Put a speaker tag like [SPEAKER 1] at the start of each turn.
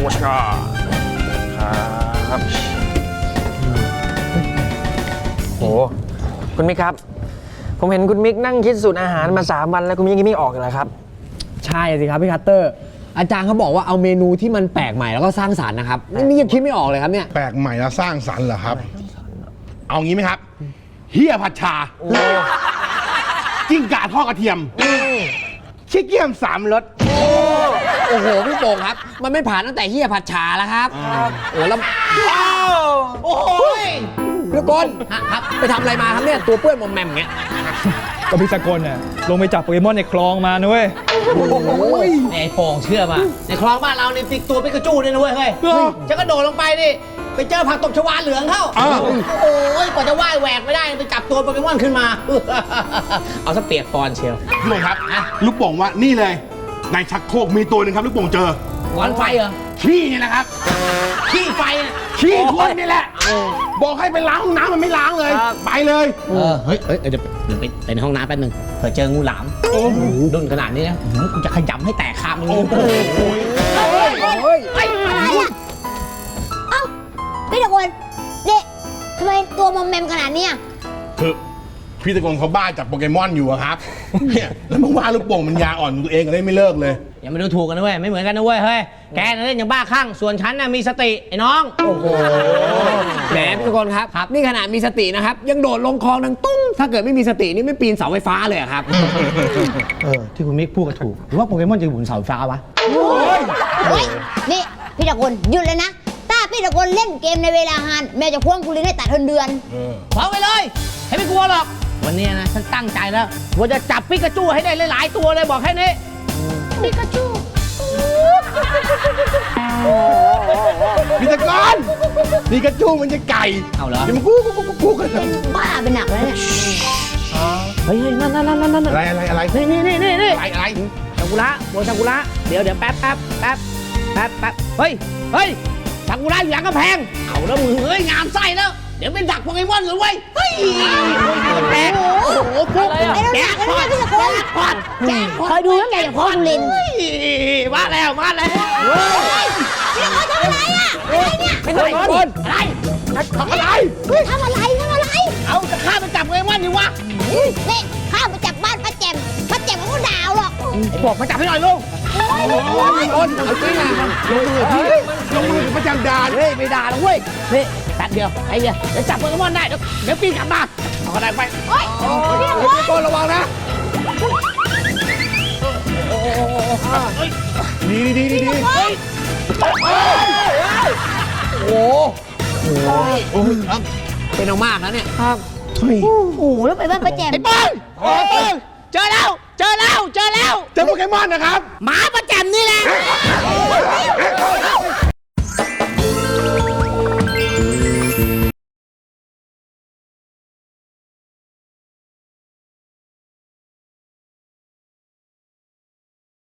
[SPEAKER 1] ชาครับโหคุณมิกครับผมเห็นคุณมิกนั่งคิดสูตรอาหารมา3 วันแล้วคุณมิกยังไม่ออกเลยครับ
[SPEAKER 2] ใช่สิครับพี่คัตเตอร์อาจารย์เขาบอกว่าเอาเมนูที่มันแปลกใหม่แล้วก็สร้างสรรค์นะครับนี่ยังคิดไม่ออกเลยครับเนี่ย
[SPEAKER 3] แปลกใหม่แล้วสร้างสรรค์เหรอครับเอางี้ไหมครับเฮียผัดชาจิ้งก่าทอดกระเทียมชิคเกี้ยม3 รส
[SPEAKER 2] โอ้โหพี่โป่งครับมันไม่ผ่านตั้งแต่เฮียผัดชาแล้วครับโอ้แล้วโอ้ยพี่กลครับไปทำอะไรมาครับเนี่ยตัวเปื้อนมอมแมมอย่างเงี้ย
[SPEAKER 4] ก็พี่สกลเนี่ยลงไปจับโปเกมอนในคลองมานะเว้ย
[SPEAKER 5] ไอ้โป่งเชื่อป่ะในคลองบ้านเราเนี่ยติดตัวปิกาจูเนี่ยนะเว้ยเฮ้ยฉันก็โดดลงไปนี่ไปเจอผักตบชวาเหลืองเข้าโอ้ยกว่าจะว่ายแหวกไม่ได้ไปจับตัวโปเกมอนขึ้นมาเอาซะเปียกปอนเชียว
[SPEAKER 3] พี่โป่งครับลูกโป่งว่านี่เลยในชักโครกมีตัวหนึ่งครับลูกโป่งเจอ
[SPEAKER 5] ก้อนไฟเหรอ
[SPEAKER 3] ขี้นี่แหละครับ
[SPEAKER 5] ขี้ไฟ
[SPEAKER 3] ขี้คนนี่แหละบอกให้ไปล้างห้องน้ำมันไม่ล้างเลยไปเลย
[SPEAKER 5] เฮ้ยเดี๋ยวไปในห้องน้ำแป๊บนึงเผื่อเจองูหลามดุนขนาดนี้นะกูจะขยำให้แตกคามือ
[SPEAKER 6] อะไรอ่ะเอ้าพี่ตะโกนเด็กทำไมตัวมอมแมมขนาดนี้อ่ะ
[SPEAKER 3] คือพี่ตะโกนเขาบ้าจับโปเกมอนอยู่อะครับเนี่ยแล้วเมื่อวานลูกโป่งมันยาอ่อนตัวเองก็เลยไม่เลิกเลย
[SPEAKER 5] อย่ามาดูถูกกันนะเว้ยไม่เหมือนกันนะเว้ยเฮ้ยแกเล่นอย่างบ้าคลั่งส่วนฉันน่ะมีสติไอ้น้อง
[SPEAKER 2] โอ้โหแหมพี่ทุกคนครับนี่ขนาดมีสตินะครับยังโดดลงคลองดังตุ้งถ้าเกิดไม่มีสตินี่ไม่ปีนเสาไฟฟ้าเลยครับ
[SPEAKER 5] ที่คุณมิกพูดก็ถูกหรือว่าโปเกมอนจะอยู่บนเสาไฟฟ้าวะ
[SPEAKER 6] เฮ้ยนี่พี่ตะโกนหยุดเลยนะถ้าพี่ตะโกนเล่นเกมในเวลาฮานแม่จะพ่วงคุณลินให้ตัดเดือน
[SPEAKER 5] ฟ้องไปเลยให้ไม่กลัวหรอกวันนี้นะฉันตั้งใจแล้วว่าจะจับปิกาจูให้ได้หลายๆตัวเลยบอกแค่นี้
[SPEAKER 6] ปิกาจู
[SPEAKER 3] พี่ตะกอนปิกาจูมันจะไก่
[SPEAKER 5] เอาเหรอ
[SPEAKER 3] มันกู้กัน
[SPEAKER 6] เป็นบ้าเป็นหนักเลยเนี่ย
[SPEAKER 5] เฮ้ยนั่น
[SPEAKER 3] อะไร
[SPEAKER 5] นี่
[SPEAKER 3] อะไร
[SPEAKER 5] ซากุระโบซากุระเดี๋ยวแป๊บเฮ้ยซากุระอยู่หลังกำแพงเอาแล้วมือเฮ้ยงามไส้แล้วเดี๋ยวเป็นดักโปเกมอนเลยเว้ยเฮ้ยแป๊บโอ้โหพวกแจ็คพอต
[SPEAKER 6] คอยดูแล้วแกจะพ่อคุณลิน
[SPEAKER 5] มาแล้ว
[SPEAKER 6] พี่ตะโกนทำอะไรอ่ะอะไรเนี่ย
[SPEAKER 5] ไม่ใช่คนอะไรทำอะไรเอาจะฆ่าไปจับโปเกมอนดิวะ
[SPEAKER 6] นี่ข้าไปจับบ้านป้าแจ่มก็ดาวหรอก
[SPEAKER 5] บอกมาจับให้หน่อยลุง
[SPEAKER 2] คนเอาจริงอ่ะ
[SPEAKER 3] ลงมือประจำด่าน
[SPEAKER 5] เฮ้ยไม่ด่าหรอกเว้ยนี่แป๊บเดียวไอ้เหี้ยจะจับโปเกมอนได้เดี๋ยวปีนกลับมาเอาอะไรไป
[SPEAKER 6] โอ๊ย
[SPEAKER 2] พี่ก้นระวังนะ
[SPEAKER 3] ดี
[SPEAKER 2] โอ้โหเป็นเอามากนะเนี่ยครับ
[SPEAKER 6] โอ้โหแล้วไปบ้านป้าแจ่ม
[SPEAKER 5] ไอ้ป้องเจอแล้ว
[SPEAKER 3] เจอโปเกมอนนะครับ
[SPEAKER 5] หมาไป